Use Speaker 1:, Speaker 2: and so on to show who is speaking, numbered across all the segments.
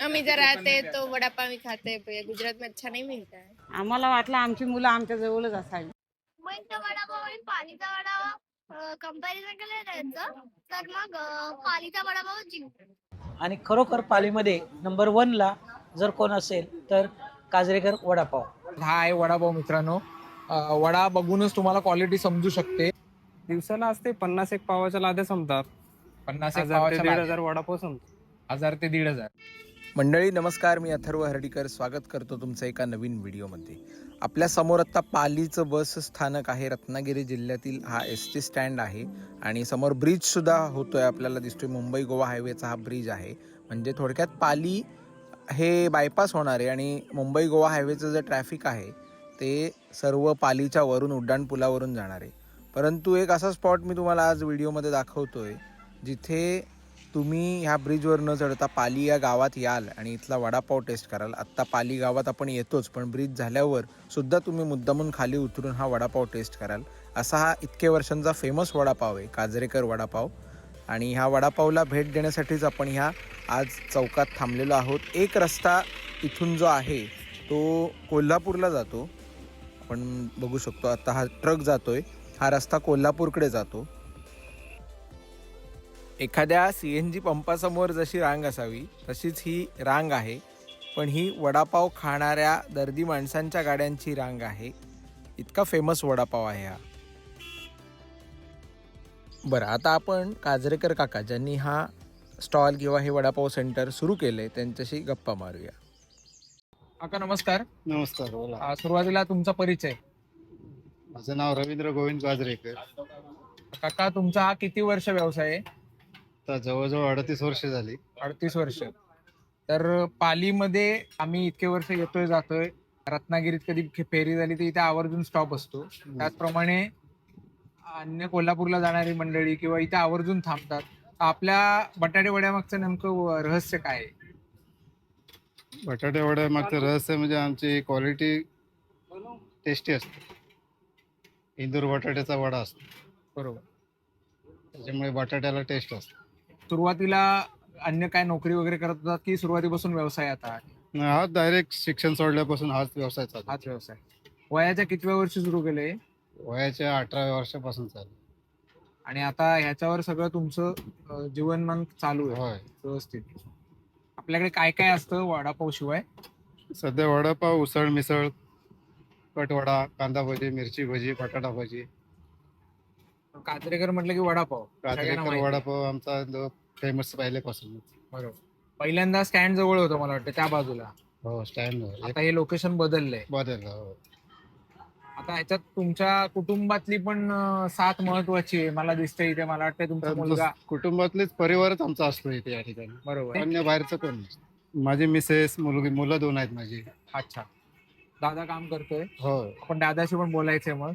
Speaker 1: आम्ही जर राहते तो वडापाव ही खाते, गुजरात में अच्छा नहीं मिलता है.
Speaker 2: आम्हाला वाटलं आमची मुलं आमच्या जवळच असावी.
Speaker 3: मुंबईचा वडापाव आणि पालीचा वडापाव कंपॅरिझन केलं त्यांचं तर मग पालीचा वडापाव जिंकतो.
Speaker 4: आणि खरोखर पालीमध्ये नंबर 1 ला जर कोण असेल तर काजरेकर वडापाव.
Speaker 5: हा आहे वडापाव मित्रांनो. वडा बघूनच तुम्हाला क्वालिटी समजू शकते.
Speaker 6: दिवसाला असते 50 एक पावाच्या लाद्या संपतात.
Speaker 5: 50
Speaker 6: 1000 ते 1500 वडापाव संपतात.
Speaker 5: 1000 ते 1500.
Speaker 7: मंडळी नमस्कार, मी अथर्व हर्डीकर स्वागत करतो तुमचं एका नवीन व्हिडिओमध्ये. आपल्या समोर आत्ता पालीचं बस स्थानक आहे. रत्नागिरी जिल्ह्यातील हा ST स्टँड आहे आणि समोर ब्रिजसुद्धा होतोय, आपल्याला दिसतोय. मुंबई गोवा हायवेचा हा ब्रिज आहे. म्हणजे थोडक्यात पाली हे बायपास होणार आहे आणि मुंबई गोवा हायवेचं जे ट्रॅफिक आहे ते सर्व पालीच्या वरून उड्डाणपुलावरून जाणार आहे. परंतु एक असा स्पॉट मी तुम्हाला आज व्हिडिओमध्ये दाखवतोय जिथे तुम्ही ह्या ब्रिजवर न चढता पाली या गावात याल आणि इथला वडापाव टेस्ट कराल. आत्ता पाली गावात आपण येतोच, पण ब्रिज झाल्यावर सुद्धा तुम्ही मुद्दामून खाली उतरून हा वडापाव टेस्ट कराल. असा हा इतके वर्षांचा फेमस वडापाव आहे, काजरेकर वडापाव. आणि ह्या वडापावला भेट देण्यासाठीच आपण ह्या आज चौकात थांबलेलो आहोत. एक रस्ता इथून जो आहे तो कोल्हापूरला जातो. आपण बघू शकतो आता हा ट्रक जातोय, हा रस्ता कोल्हापूरकडे जातो. एखाद्या CNG पंपासमोर जशी रांग असावी तशीच ही रांग आहे, पण ही वडापाव खाणाऱ्या दर्दी माणसांच्या गाड्यांची रांग आहे. इतका फेमस वडापाव आहे हा. बरं, आता आपण काजरेकर काका ज्यांनी हा स्टॉल किंवा हे वडापाव सेंटर सुरू केले त्यांच्याशी गप्पा मारूया.
Speaker 5: काका नमस्कार.
Speaker 8: नमस्कार, बोला.
Speaker 5: सुरुवातीला तुमचा परिचय.
Speaker 8: माझं नाव रवींद्र गोविंद काजरेकर.
Speaker 5: काका तुमचा हा किती वर्ष व्यवसाय आहे?
Speaker 8: आता जवळजवळ 38 वर्ष झाली.
Speaker 5: 38 वर्ष. तर पालीमध्ये आम्ही इतके वर्ष येतोय जातोय. रत्नागिरीत कधी फेरी झाली तर इथे आवर्जून स्टॉप असतो. त्याचप्रमाणे अन्य कोल्हापूरला जाणारी मंडळी किंवा इथे आवर्जून थांबतात. आपल्या बटाटे वड्यामागचं नेमकं रहस्य काय आहे?
Speaker 8: बटाटे वड्या मागचं रहस्य म्हणजे आमची क्वालिटी टेस्टी असते. इंदूर बटाट्याचा वडा असतो,
Speaker 5: बरोबर.
Speaker 8: त्याच्यामुळे बटाट्याला टेस्ट असतो.
Speaker 5: सुरुवातीला अन्य काय नोकरी वगैरे करत होतात की सुरुवातीपासून व्यवसाय आता?
Speaker 8: हाच डायरेक्ट शिक्षण सोडल्यापासून हाच व्यवसाय चालू.
Speaker 5: हाच व्यवसाय. वयाच्या कितव्या वर्षी सुरू केले?
Speaker 8: वयाच्या 18व्या वर्षापासून चालू.
Speaker 5: आणि आता ह्याच्यावर सगळं तुमचं जीवनमान चालू आहे
Speaker 8: होय.
Speaker 5: व्यवस्थित. आपल्याकडे काय काय असतं वडापाव शिवाय?
Speaker 8: सध्या वडापाव, उसळ, मिसळ, कटवडा, कांदा भजी, मिरची भजी, बटाटा भजी.
Speaker 5: काजरेकर म्हटलं की वडापाव सगळ्यांना
Speaker 8: काजरेकर
Speaker 5: माहिती.
Speaker 8: वडापाव आमचा फेमस पहिल्यापासून.
Speaker 5: बरोबर. पहिल्यांदा स्टँड जवळ होतं मला वाटतं त्या बाजूला.
Speaker 8: हो, स्टँड
Speaker 5: आता हे लोकेशन बदललंय.
Speaker 8: बदलला. हो.
Speaker 5: आता ह्याच्यात तुमच्या कुटुंबातली पण साथ महत्वाची आहे मला दिसतंय इथे. मला वाटतं तुमचा मुलगा.
Speaker 8: कुटुंबातलेच परिवारच आमचा असतो इथे या ठिकाणी.
Speaker 5: बरोबर.
Speaker 8: अन्य बाहेरचं कोण नसतं. माझी मिसेस, मुलं 2 आहेत माझी.
Speaker 5: अच्छा. दादा काम करतोय.
Speaker 8: हो.
Speaker 5: आपण दादाशी पण बोलायचंय मग.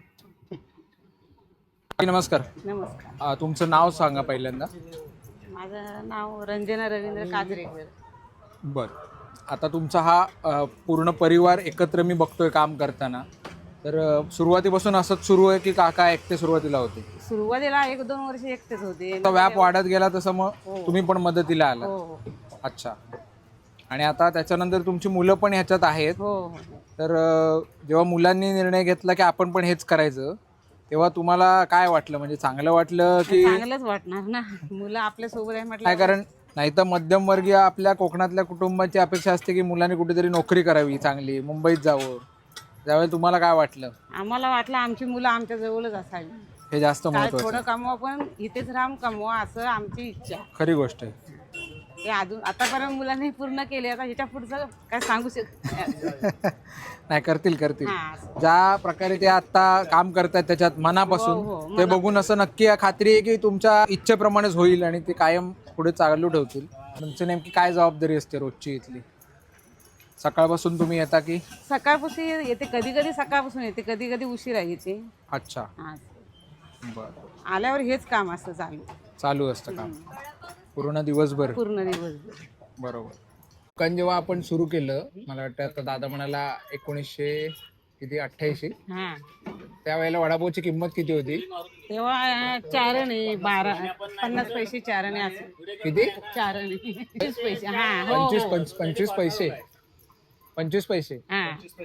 Speaker 5: नमस्कार.
Speaker 2: नमस्कार.
Speaker 5: तुमचं नाव सांगा पहिल्यांदा.
Speaker 2: माझं नाव रंजना रवींद्र काजरेकर.
Speaker 5: बरं. आता तुमचा हा पूर्ण परिवार एकत्र मी बघतोय काम करताना. तर सुरुवातीपासून असंच सुरू आहे की काका एकटे सुरुवातीला होते?
Speaker 2: सुरुवातीला 1-2 वर्ष एकटेच होते.
Speaker 5: आता व्याप वाढत गेला तसं मग तुम्ही पण मदतीला आला?
Speaker 2: हो.
Speaker 5: अच्छा. आणि आता त्याच्यानंतर तुमची मुलं पण ह्याच्यात आहेत.
Speaker 2: हो.
Speaker 5: तर जेव्हा मुलांनी निर्णय घेतला की आपण पण हेच करायचं तेव्हा तुम्हाला काय वाटलं? म्हणजे चांगलं वाटलं की?
Speaker 2: चांगलंच वाटणार ना, मुलं आपल्या सोबत आहे म्हटलं.
Speaker 5: काय, कारण नाही तर मध्यमवर्गीय आपल्या कोकणातल्या कुटुंबाची अपेक्षा असते की मुलांनी कुठेतरी नोकरी करावी चांगली, मुंबईत जावं. त्यावेळी तुम्हाला काय वाटलं?
Speaker 2: आम्हाला वाटलं आमची मुलं आमच्या जवळच असावी.
Speaker 5: हे जास्त
Speaker 2: काय
Speaker 5: महत्वाचं.
Speaker 2: थोडं कमवा पण इथेच राहून कमवा असं आमची इच्छा.
Speaker 5: खरी गोष्ट आहे.
Speaker 2: ते अजून आतापर्यंत मुलांनी पूर्ण केले, आता ह्याच्या पुढचं काय सांगू शकत
Speaker 5: नाही, करतील.
Speaker 2: हा.
Speaker 5: ज्या प्रकारे ते आता काम करतात त्याच्यात मनापासून,
Speaker 2: हो,
Speaker 5: ते बघून असं नक्की खात्री आहे की तुमच्या इच्छेप्रमाणेच होईल आणि ते कायम पुढे चालू ठेवतील. तुमची नेमकी काय जबाबदारी असते रोजची इथली? सकाळपासून तुम्ही येता की?
Speaker 2: सकाळपासून येते, कधी कधी सकाळपासून येते, कधी कधी उशिरा येते.
Speaker 5: अच्छा.
Speaker 2: हा.
Speaker 5: बरं.
Speaker 2: आल्यावर हेच काम असतं
Speaker 5: चालू असतं काम पूर्ण दिवसभर?
Speaker 2: पूर्ण दिवसभर.
Speaker 5: बरोबर. कारण जेव्हा आपण सुरू केलं, मला वाटतं आता दादा म्हणाला 1900 किती 88?
Speaker 2: हा
Speaker 5: त्यावेळेला वडापावची किंमत किती होती?
Speaker 2: तेव्हा चारणे 50 पैसे चारणे असं
Speaker 5: किती?
Speaker 2: चारणे 25 पैसे हा हो
Speaker 5: 25 पैसे. 25 पैसे.
Speaker 2: हा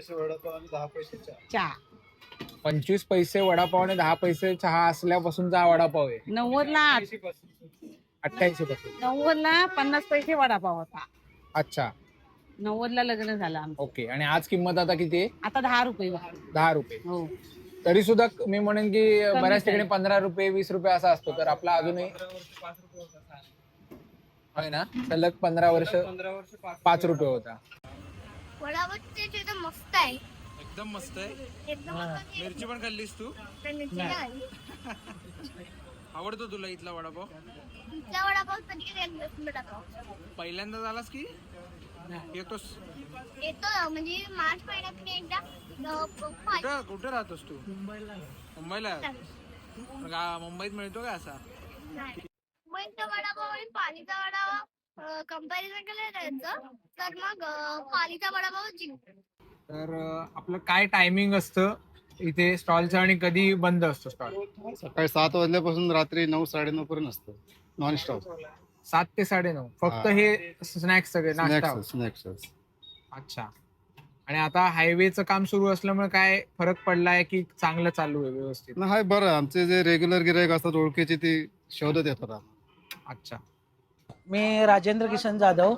Speaker 5: 25 पैसे वडापाव आणि 10 पैसे चहा असल्यापासूनचा हा वडापाव आहे.
Speaker 2: 90ला
Speaker 5: 88 पासून.
Speaker 2: 90ला 50 पैसे वडापाव होता.
Speaker 5: अच्छा,
Speaker 2: 90ला लग्न झालं आमचं.
Speaker 5: ओके. आणि आज किंमत आता किती आहे?
Speaker 2: आता 10 रुपये
Speaker 5: 10 रुपये.
Speaker 2: हो
Speaker 5: तरी सुद्धा मी म्हणेन की बऱ्याच ठिकाणी 15 रुपये 20 रुपये असा असतो, तर आपला अजूनही होय ना, सलग 15 वर्ष 5 रुपये होता.
Speaker 3: वडापावचे जे तर मस्त आहे.
Speaker 5: एकदम मस्त आहे.
Speaker 3: एकदम मस्त.
Speaker 5: मिरची पण खाल्लीस तू?
Speaker 3: मिरची नाही खाल्ली.
Speaker 5: आवडतो तुला इथला वडापाव?
Speaker 3: इथला वडापाव कधी एकदाच वडापाव
Speaker 5: पहिल्यांदा झालास की येतोस?
Speaker 3: येतो म्हणजे मार्च महिन्यात मी एकदा
Speaker 5: कुठे राहतोस तू? मुंबईला. मुंबईत मिळतो का असा?
Speaker 3: मुंबईचा वडापाव आणि पालीचा वडापाव कंपॅरिझन केलं त्याचं तर मग पालीचा वडापाव जिंकतो.
Speaker 5: तर आपलं काय टायमिंग असतं इथे स्टॉलचं आणि कधी बंद असतो स्टॉल?
Speaker 8: सकाळी 7 वाजल्यापासून रात्री 9-9:30 पर्यंत असतं नॉन स्टॉप.
Speaker 5: 7 ते 9:30 फक्त हे स्नॅक्स सगळे नाश्ता?
Speaker 8: स्नॅक्स.
Speaker 5: अच्छा. आणि आता हायवेचं काम सुरू असल्यामुळे काय फरक पडलाय की चांगलं चालू आहे व्यवस्थित?
Speaker 8: हाय बरं, आमचे जे रेग्युलर गिरायक असतात ओळखीचे ती शोधत येतात आम्हाला.
Speaker 5: अच्छा.
Speaker 4: मी राजेंद्र किसन जाधव,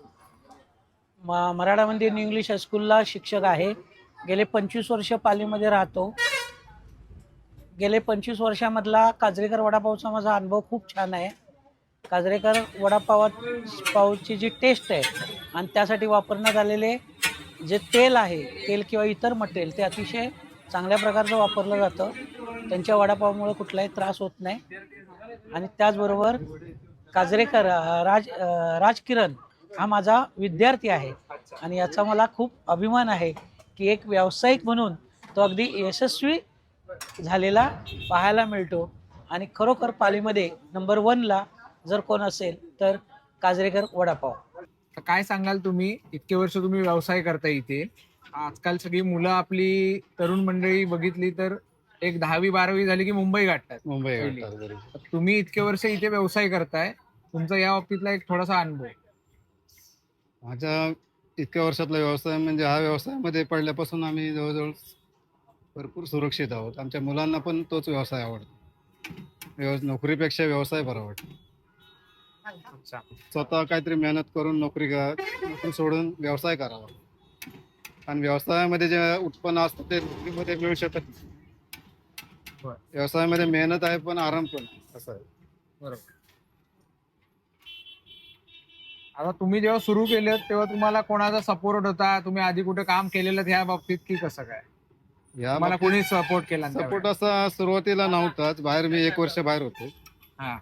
Speaker 4: मराठा मंदिर न्यू इंग्लिश हायस्कूलला शिक्षक आहे. गेले 25 वर्ष पालीमध्ये राहतो. गेले 25 वर्षामधला काजरेकर वडापावचा माझा अनुभव खूप छान आहे. काजरेकर वडापावची जी टेस्ट आहे आणि त्यासाठी वापरण्यात आलेले जे तेल आहे, तेल किंवा इतर मटेरियल ते अतिशय चांगल्या प्रकारचं वापरलं जातं. त्यांच्या वडापावमुळे कुठलाही त्रास होत नाही. आणि त्याचबरोबर काजरेकर राजकिरण हा माझा विद्यार्थी आहे आणि याचा मला खूप अभिमान आहे की एक व्यावसायिक म्हणून तो अगदी यशस्वी झालेला पाहायला मिळतो. आणि खरोखर पालीमध्ये नंबर 1ला जर कोण असेल तर काजरेकर वडापाव.
Speaker 5: काय सांगाल तुम्ही? इतके वर्ष तुम्ही व्यवसाय करता इथे. आजकाल सगळी मुलं आपली तरुण मंडळी बघितली तर एक 10वी-12वी झाली की मुंबई गाठतात. तर तुम्ही इतके वर्ष इथे व्यवसाय करताय, तुमचा या बाबतीतला एक थोडासा अनुभव.
Speaker 8: माझ्या इतक्या वर्षातला व्यवसाय म्हणजे हा व्यवसायामध्ये पडल्यापासून आम्ही जवळजवळ भरपूर सुरक्षित आहोत. आमच्या मुलांना पण तोच व्यवसाय आवडतो. नोकरीपेक्षा व्यवसाय बरा वाटतो.
Speaker 5: अच्छा.
Speaker 8: स्वतः काहीतरी मेहनत करून नोकरी सोडून व्यवसाय करावा. आणि व्यवसायामध्ये जे उत्पन्न असतं ते नोकरीमध्ये मिळू शकत नाही. व्यवसायामध्ये मेहनत आहे पण आराम पण असं आहे.
Speaker 5: बरोबर. आता तुम्ही जेव्हा सुरू केलं तेव्हा तुम्हाला कोणाचा सपोर्ट होता? तुम्ही आधी कुठे काम केलेलं ह्या बाबतीत की कसं काय? मला कोणी सपोर्ट केला?
Speaker 8: सपोर्ट असा सुरुवातीला नव्हताच. बाहेर मी 1 वर्ष बाहेर होतो.
Speaker 5: हा.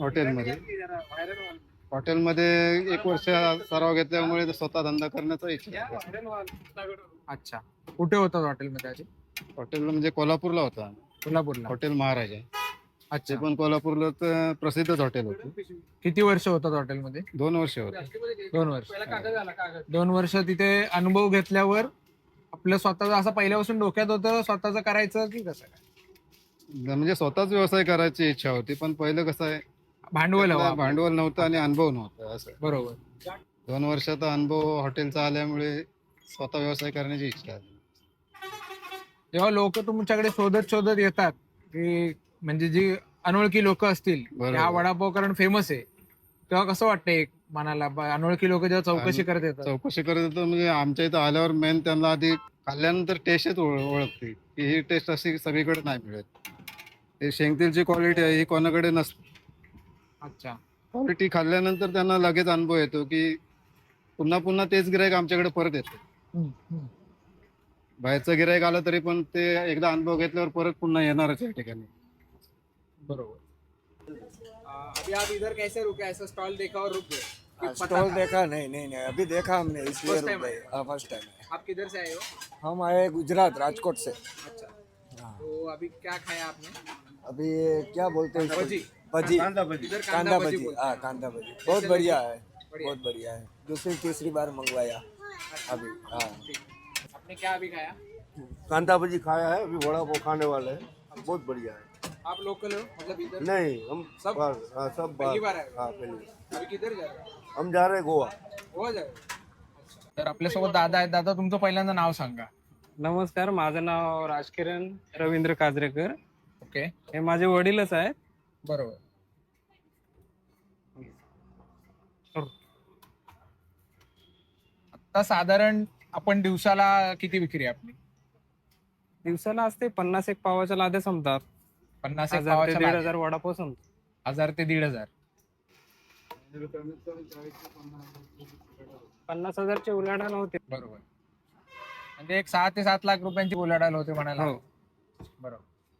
Speaker 8: हॉटेलमध्ये 1 वर्ष सराव घेतल्यामुळे स्वतः धंदा करण्याचा इच्छा.
Speaker 5: अच्छा. कुठे होतात हॉटेलमध्ये आधी?
Speaker 8: हॉटेलला म्हणजे कोल्हापूरला होता.
Speaker 5: कोल्हापूरला?
Speaker 8: हॉटेल महाराजा.
Speaker 5: अच्छा.
Speaker 8: ते पण कोल्हापूरला तर प्रसिद्धच हॉटेल होतं.
Speaker 5: किती वर्ष होतात हॉटेलमध्ये?
Speaker 8: 2 वर्ष होते.
Speaker 5: 2 वर्ष. 2 वर्ष तिथे अनुभव घेतल्यावर आपलं स्वतःच असं पहिल्यापासून डोक्यात होतं स्वतःच करायचं की कसं काय?
Speaker 8: म्हणजे स्वतःच व्यवसाय करायची इच्छा होती, पण पहिलं कसं आहे
Speaker 5: भांडवल
Speaker 8: नव्हतं आणि अनुभव नव्हता असं.
Speaker 5: बरोबर.
Speaker 8: 2 वर्षाचा अनुभव हॉटेलचा आल्यामुळे स्वतः व्यवसाय करण्याची इच्छा आहे.
Speaker 5: जेव्हा लोक तुमच्याकडे शोधत येतात की म्हणजे जी अनोळखी लोक असतील, हा वडापाव कारण फेमस आहे, तेव्हा कसं वाटतं एक मनाला? अनोळखी लोक जेव्हा चौकशी करत येतात
Speaker 8: म्हणजे आमच्या इथं आल्यावर मेन त्यांना आधी खाल्ल्यानंतर टेस्टच ओळखते की ही टेस्ट अशी सगळीकडे नाही मिळत. हे शेंगतेलची क्वालिटी आहे ही कोणाकडे नसते.
Speaker 5: अच्छा.
Speaker 8: क्वालिटी खाल्ल्यानंतर त्यांना लगेच अनुभव येतो की पुन्हा पुन्हा तेच गिरायक आमच्याकडे परत येतो. बाहेरचं गिरायक आलं तरी पण ते एकदा अनुभव घेतल्यावर परत पुन्हा येणारच या ठिकाणी.
Speaker 5: बरोबर. अभी आप इधर कैसे रुके? ऐसा स्टॉल देखा और रुक गए?
Speaker 9: स्टॉल देखा नहीं अभी देखा हमने इसलिए
Speaker 5: First time
Speaker 9: रुक गए. फर्स्ट टाइम है.
Speaker 5: आप किधर से आए हो?
Speaker 9: हम आए गुजरात राजकोट से.
Speaker 5: अच्छा. तो अभी क्या खाया आपने?
Speaker 9: अभी ये क्या बोलते हैं
Speaker 5: भजी.
Speaker 9: भजी.
Speaker 5: इधर
Speaker 9: कांदा भजी.
Speaker 5: बोलते
Speaker 9: हाँ
Speaker 5: हैं.
Speaker 9: कांदा भजी बहुत बढ़िया है.
Speaker 5: बढ़िया.
Speaker 9: बहुत बढ़िया है. दूसरी तीसरी बार मंगवाया अभी. हाँ
Speaker 5: आपने क्या अभी खाया?
Speaker 9: कांदा भजी खाया है, अभी वड़ा पाव खाने वाले हैं, बहुत बढ़िया है।
Speaker 5: आप लोकल हो मतलब इधर
Speaker 9: नहीं हम
Speaker 5: सब?
Speaker 9: हाँ सब
Speaker 5: पहली बार आए?
Speaker 9: हाँ पहली बार।
Speaker 5: अभी किधर जा रहे हो?
Speaker 9: हम जा रहे हैं गोवा।
Speaker 5: गोवा जा रहे हो? तर आपल्यासोबत दादा आहेत. दादा तुमचं पहिल्यांदा नाव सांगा.
Speaker 6: नमस्कार, माझं नाव राजकिरण रवींद्र काजरेकर.
Speaker 5: ओके,
Speaker 6: हे माझे वडीलच आहेत.
Speaker 5: बरोबर. आता साधारण आपण दिवसाला किती विक्री आहे आपली?
Speaker 6: दिवसाला असते 50 एक पावाच्या लाद्या संपतात.
Speaker 5: 50 एक
Speaker 6: 1000 ते
Speaker 5: पावाच्या लाद्या.
Speaker 6: 1500 वडापाव संपतात.
Speaker 5: 1000 ते 1500.
Speaker 6: 50,000चे उलाढाल होते.
Speaker 5: बरोबर. म्हणजे एक 6 ते 7 लाख रुपयांची उलाढाल होते म्हणायला.
Speaker 6: हो.
Speaker 5: बरोबर.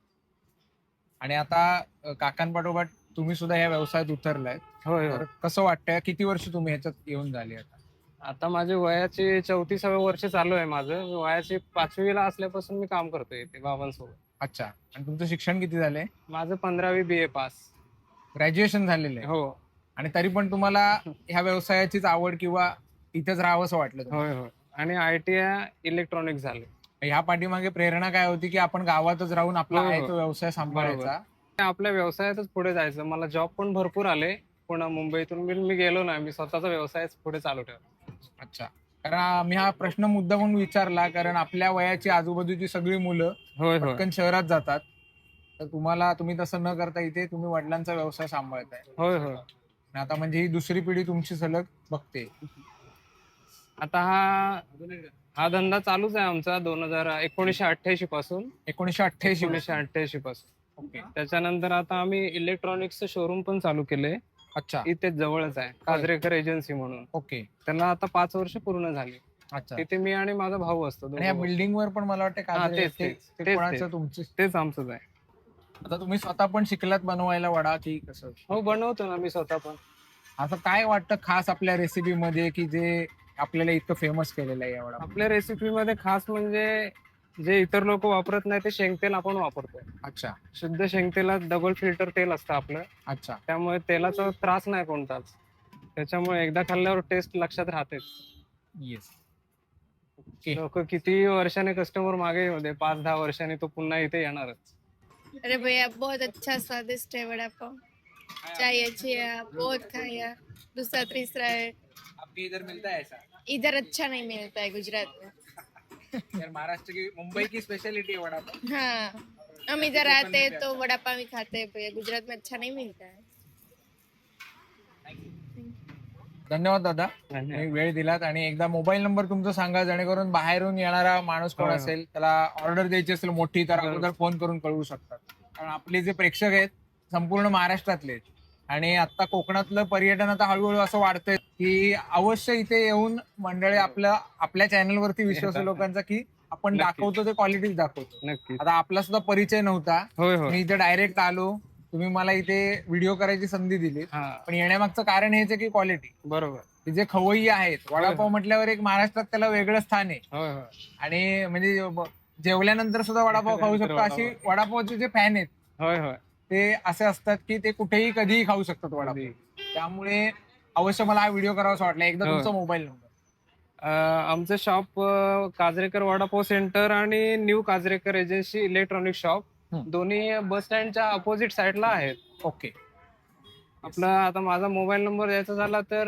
Speaker 5: आणि आता काकांपाठोपाठ तुम्ही सुद्धा या व्यवसायात उतरलाय.
Speaker 6: होय
Speaker 5: तर
Speaker 6: होय.
Speaker 5: कसं वाटतंय? किती वर्ष तुम्ही ह्याच्यात येऊन झाली आता?
Speaker 6: आता माझे वयाचे 34व्या वर्ष चालू आहे माझं. मी वयाची 5वीला असल्यापासून मी काम करतोय इथे बाबांसोबत.
Speaker 5: अच्छा. आणि तुमचं शिक्षण किती झालंय?
Speaker 6: माझं 15वी BA पास.
Speaker 5: ग्रॅज्युएशन झालेलं आहे.
Speaker 6: हो.
Speaker 5: आणि तरी पण तुम्हाला ह्या व्यवसायाचीच आवड किंवा इथेच राहावंसं वाटलं तुम्हाला?
Speaker 6: होय होय. आणि ITI इलेक्ट्रॉनिक्स झाले.
Speaker 5: ह्या पाठीमागे प्रेरणा काय होती की आपण गावातच राहून आपला
Speaker 6: हो, हो.
Speaker 5: आहे तो व्यवसाय सांभाळायचा?
Speaker 6: आपल्या व्यवसायातच पुढे जायचं. मला जॉब पण भरपूर आले. पुन्हा मुंबईतून मी गेलो नाही. मी स्वतःचा व्यवसाय पुढे चालू ठेवला.
Speaker 5: अच्छा. कारण मी हा प्रश्न मुद्दा म्हणून विचारला कारण आपल्या वयाची आजूबाजूची सगळी मुलं
Speaker 6: होय होय.
Speaker 5: पटकन शहरात जातात. तर तुम्ही तसं न करता इथे तुम्ही वडिलांचा व्यवसाय सांभाळताय.
Speaker 6: होय होय.
Speaker 5: आणि आता म्हणजे ही दुसरी पिढी तुमची सलग बघते.
Speaker 6: आता हा धंदा चालूच आहे आमचा 1988 पासून.
Speaker 5: 1988
Speaker 6: पासून.
Speaker 5: ओके.
Speaker 6: त्याच्यानंतर आता आम्ही इलेक्ट्रॉनिक्सचं शोरूम पण चालू केलंय.
Speaker 5: अच्छा.
Speaker 6: इथेच जवळच आहे, काजरेकर एजन्सी म्हणून.
Speaker 5: ओके.
Speaker 6: त्याला आता 5 वर्ष पूर्ण झाली.
Speaker 5: अच्छा.
Speaker 6: तिथे मी आणि माझा भाऊ असतो.
Speaker 5: आणि या बिल्डिंग वर पण मला वाटतं
Speaker 6: हा,
Speaker 5: काजरे
Speaker 6: तेच, तेच,
Speaker 5: ते
Speaker 6: तेच,
Speaker 5: कोणाचं
Speaker 6: तेच.
Speaker 5: तुमचं?
Speaker 6: तेच आमचंच आहे.
Speaker 5: आता तुम्ही स्वतः पण शिकलात बनवायला वडा की कसं?
Speaker 6: हो, बनवतो ना मी स्वतः पण.
Speaker 5: असं काय वाटतं खास आपल्या रेसिपी मध्ये की जे आपल्याला इतकं फेमस केलेलं आहे या वडा?
Speaker 6: आपल्या रेसिपीमध्ये खास म्हणजे जे इतर लोक वापरत नाही ते शेंगतेल आपण वापरतोय.
Speaker 5: अच्छा.
Speaker 6: शुद्ध शेंगतेलात डबल फिल्टर तेल असतं आपलं.
Speaker 5: अच्छा.
Speaker 6: त्यामुळे तेलाचा त्रास नाही कोणताच. त्याच्यामुळे एकदा खाल्ल्यावर टेस्ट लक्षात राहतेच.
Speaker 5: येस.
Speaker 6: लोक किती वर्षाने कस्टमर मागे येऊ दे, 5-10 वर्षांनी तो पुन्हा इथे येणारच.
Speaker 1: अरे भैया बहुत अच्छा स्वादिष्ट है वड़ा पाव, चाहिए चाहिए बहुत खाया, दूसरा तीसरा है।
Speaker 5: आपके इधर मिलता है ऐसा?
Speaker 1: इधर अच्छा नहीं मिलता है गुजरात में।
Speaker 5: यार महाराष्ट्र की मुंबई की स्पेशलिटी है वड़ा पाव।
Speaker 1: हाँ, हम इधर आते हैं तो वड़ा पाव ही खाते हैं भैया, गुजरात में अच्छा नहीं मिलता है।
Speaker 5: धन्यवाद दादा, तुम्ही वेळ दिलात. आणि एकदा मोबाईल नंबर तुमचा सांगा जेणेकरून बाहेरून येणारा माणूस कोण असेल त्याला ऑर्डर द्यायची असेल मोठी तर अगोदर फोन करून कळवू शकतात. कारण आपले जे प्रेक्षक आहेत संपूर्ण महाराष्ट्रातले आहेत आणि आता कोकणातलं पर्यटन आता हळूहळू असं वाढतंय की अवश्य इथे येऊन मंडळी आपल्या चॅनलवरती विश्वास आहे लोकांचा की आपण दाखवतो ते क्वालिटीच दाखवतो.
Speaker 6: नक्की.
Speaker 5: आता आपला सुद्धा परिचय नव्हता,
Speaker 6: होय होय.
Speaker 5: मी इथे डायरेक्ट आलो, तुम्ही मला इथे व्हिडिओ करायची संधी दिली.
Speaker 6: हा,
Speaker 5: पण येण्यामागचं कारण हेच आहे की क्वालिटी.
Speaker 6: बरोबर.
Speaker 5: जे खवय्ये आहेत वडापाव म्हटल्यावर एक महाराष्ट्रात त्याला वेगळं स्थान आहे.
Speaker 6: होय होय.
Speaker 5: आणि म्हणजे जेवल्यानंतर सुद्धा वडापाव खाऊ शकतो अशी वडापावचे जे फॅन आहेत
Speaker 6: होय होय.
Speaker 5: ते असे असतात की ते कुठेही कधीही खाऊ शकतात वडापाव. त्यामुळे अवश्य मला हा व्हिडिओ करावासा वाटला. एकदा तुमचा मोबाईल नंबर.
Speaker 6: आमचं शॉप काजरेकर वडापाव सेंटर आणि new Kajrekar agency electronic shop दोन्ही बस स्टँडच्या अपोजिट साइडला आहेत.
Speaker 5: ओके.
Speaker 6: आपला आता माझा मोबाईल नंबर द्यायचा झाला तर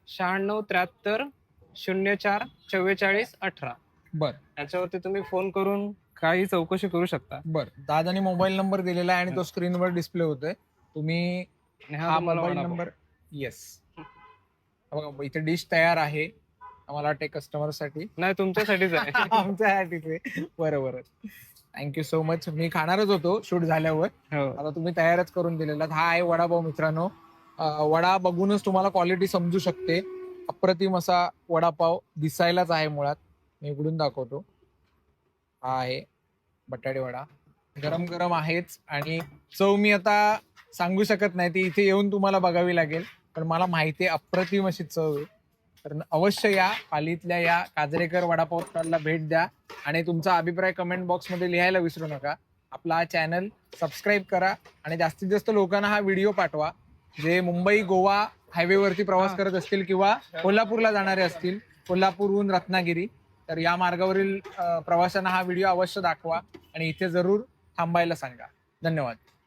Speaker 6: 9673 04 44 18.
Speaker 5: बर.
Speaker 6: याच्यावरती तुम्ही फोन करून काही चौकशी करू शकता.
Speaker 5: बर. दादानी मोबाईल नंबर दिलेला आहे आणि तो स्क्रीनवर डिस्प्ले होतोय. तुम्ही हा मोबाईल नंबर. येस. बघा इथे डिश तयार आहे. मला वाटते कस्टमर साठी
Speaker 6: नाही, तुमच्यासाठीच आहे.
Speaker 5: आमच्यासाठीच आहे. बरोबर. Thank you so much. मी खाणारच होतो शूट झाल्यावर. आता तुम्ही तयारच करून दिलेला. हा आहे वडापाव मित्रांनो. वडा बघूनच तुम्हाला क्वालिटी समजू शकते. अप्रतिम असा वडापाव दिसायलाच आहे मुळात. मी उघडून दाखवतो. हा आहे बटाटे वडा. गरम गरम आहेच आणि चव मी आता सांगू शकत नाही, ती इथे येऊन तुम्हाला बघावी लागेल. पण मला माहिती आहे अप्रतिम अशी चव आहे. तर अवश्य या पालीतल्या या काजरेकर वडापाव स्टॉलला भेट द्या आणि तुमचा अभिप्राय कमेंट बॉक्समध्ये लिहायला विसरू नका. आपला हा चॅनल सबस्क्राईब करा आणि जास्तीत जास्त लोकांना हा व्हिडिओ पाठवा जे मुंबई गोवा हायवेवरती प्रवास करत असतील किंवा कोल्हापूरला जाणारे असतील, कोल्हापूरहून रत्नागिरी, तर या मार्गावरील प्रवाशांना हा व्हिडिओ अवश्य दाखवा आणि इथे जरूर थांबायला सांगा. धन्यवाद.